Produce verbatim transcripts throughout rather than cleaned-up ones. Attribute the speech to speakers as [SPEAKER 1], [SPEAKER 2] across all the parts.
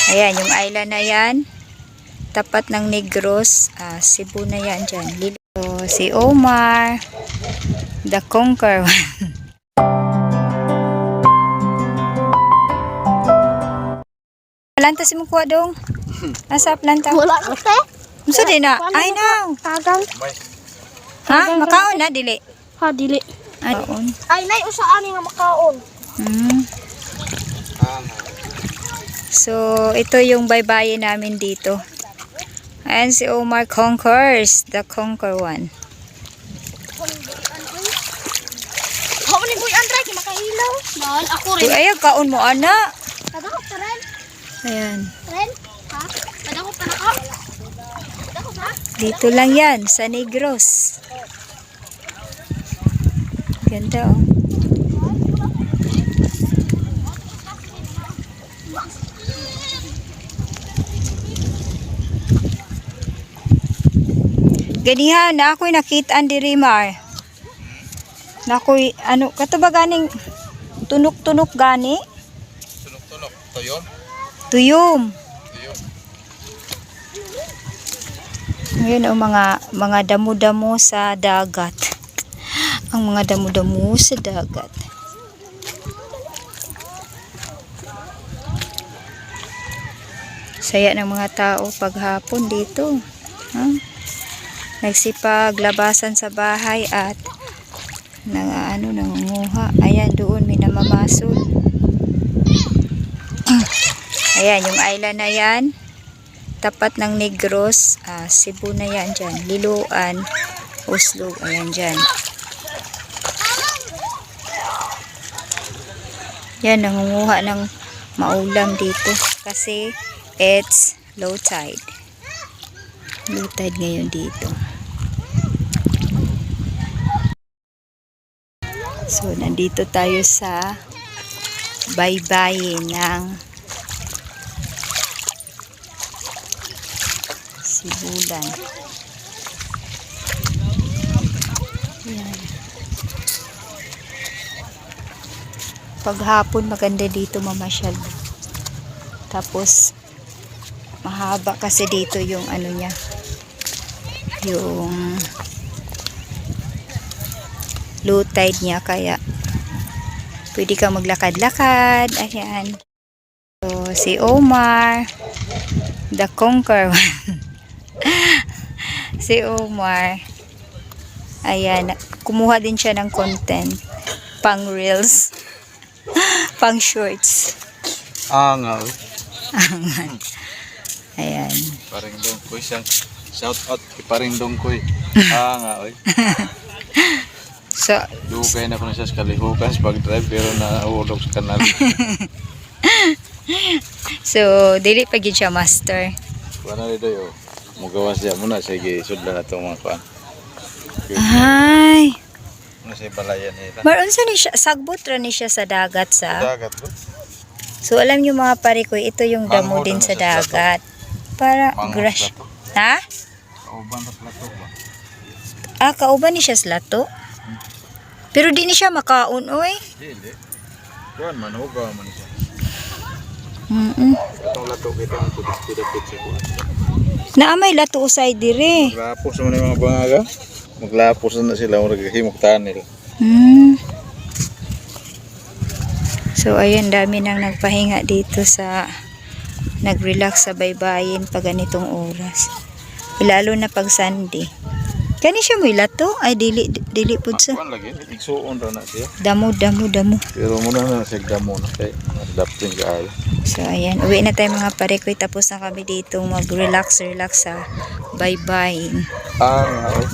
[SPEAKER 1] Ayan, yung island na yan. Tapat ng Negros. Uh, Cebu na yan dyan. So, si Omar. The Conqueror. Planta si mo kuha dong. Nasa planta.
[SPEAKER 2] Wala ko te.
[SPEAKER 1] Musa din na. Ay na.
[SPEAKER 2] Tagang.
[SPEAKER 1] Ha? Makaon na dili.
[SPEAKER 2] Ha dili.
[SPEAKER 1] Ay, makaon.
[SPEAKER 2] Ay nay usa ani nga makaon.
[SPEAKER 1] Hmm. So, ito yung baybayin namin dito. Ayan si Omar Conquers, the Conquer one.
[SPEAKER 2] How ni boy Andre kay makahilaw. Dahil ako rin.
[SPEAKER 1] Uy, ayag kaon mo ana.
[SPEAKER 2] Kadako pa rin.
[SPEAKER 1] Ayan.
[SPEAKER 2] Ren? Ha? Kadako pa na ka? Kadako ha?
[SPEAKER 1] Dito lang yan, sa Negros. Ganda oh. Ganihan na ako'y nakitaan diri Mar. Na ako'y ano kato ba ganing tunok-tunok gani?
[SPEAKER 3] Tunok-tunok, tuyom.
[SPEAKER 1] Tuyom.
[SPEAKER 3] Tuyom.
[SPEAKER 1] Ngayon ang mga mga damo-damo sa dagat. Ang mga damo-damo sa dagat. Saya ng mga tao paghapon dito. Ha? Nagsipaglabasan sa bahay at nang ano nangunguha. Ayan doon may namamasol. Ayan yung island na yan. Tapat ng Negros, uh, Cebu na yan dyan. Liloan, Oslo, ayan dyan. Yan nangunguha ng maulam dito kasi it's low tide. Low tide ngayon dito. So, nandito tayo sa baybayin ng Sibulan. Ayan. Paghapon maganda dito mamasyal. Tapos, mahaba kasi dito yung ano niya. Yung low tide niya kaya pwede kang maglakad-lakad. Ayan. So, si Omar the Conqueror. Si Omar ayan, kumuha din siya ng content pang reels pang shorts.
[SPEAKER 3] Angal.
[SPEAKER 1] Angan. Ayan.
[SPEAKER 3] Paring dongkoy siyang shout out kay paring dongkoy. Angal.
[SPEAKER 1] So,
[SPEAKER 3] dugay na ko na siya sa kalihukan sa pag-drive pero naulog sa kanal.
[SPEAKER 1] so dili pa gid siya master.
[SPEAKER 3] Kuana dito yo. Mugawas siya muna sige sudlan na tong mga kuan.
[SPEAKER 1] Ay.
[SPEAKER 3] Ano sa balayan nila.
[SPEAKER 1] Maron sa ni siya sagbot ra ni siya sa dagat sa.
[SPEAKER 3] Dagat ko.
[SPEAKER 1] So alam niyo mga pare ko, ito yung damo
[SPEAKER 3] Manghod
[SPEAKER 1] din
[SPEAKER 3] na
[SPEAKER 1] sa
[SPEAKER 3] siya sa
[SPEAKER 1] dagat. Para
[SPEAKER 3] Manghod
[SPEAKER 1] grass.
[SPEAKER 3] plato.
[SPEAKER 1] Ha?
[SPEAKER 3] Kauban sa plato ba?
[SPEAKER 1] Ah, kauban ni siya sa lato. Pero di ni siya makaon oy.
[SPEAKER 3] Dili. Kuan man hugaw man siya.
[SPEAKER 1] Mm. -mm.
[SPEAKER 3] Itong lato kita ang pudis-pudis sa kuan.
[SPEAKER 1] Naamay lato usay dire.
[SPEAKER 3] Maglapos naman yung mga bangaga. Maglapos na sila murag himok tanil.
[SPEAKER 1] Hmm. So ayan, dami nang nagpahinga dito sa nag-relax sa baybayin pag ganitong oras. Lalo na pag Sunday. Kani siya mo ilato ay dili dili pud sa.
[SPEAKER 3] Kuan lagi igsuon ra na siya.
[SPEAKER 1] Damo damo damo.
[SPEAKER 3] Pero muna na sa damo na kay adapting kaayo.
[SPEAKER 1] So ayan, uwi na tayo mga pare ko, tapos na kami dito mag-relax relax sa baybayin.
[SPEAKER 3] Ah, nga oy.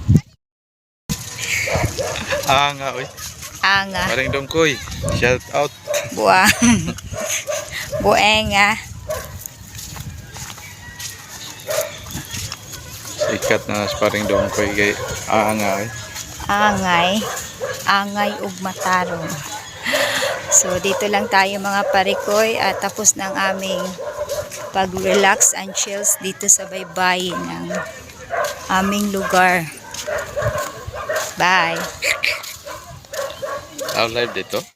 [SPEAKER 3] Ah, nga oy.
[SPEAKER 1] Anga.
[SPEAKER 3] Paring dongkoy. Shout out.
[SPEAKER 1] Buang. Buenga.
[SPEAKER 3] Sikat na sa paring dongkoy kay ah, nga oy.
[SPEAKER 1] Angay. Angay ug matarong. So dito lang tayo mga parikoy at tapos ng aming pag-relax and chills dito sa baybayin ng aming lugar. Bye.
[SPEAKER 3] How live dito?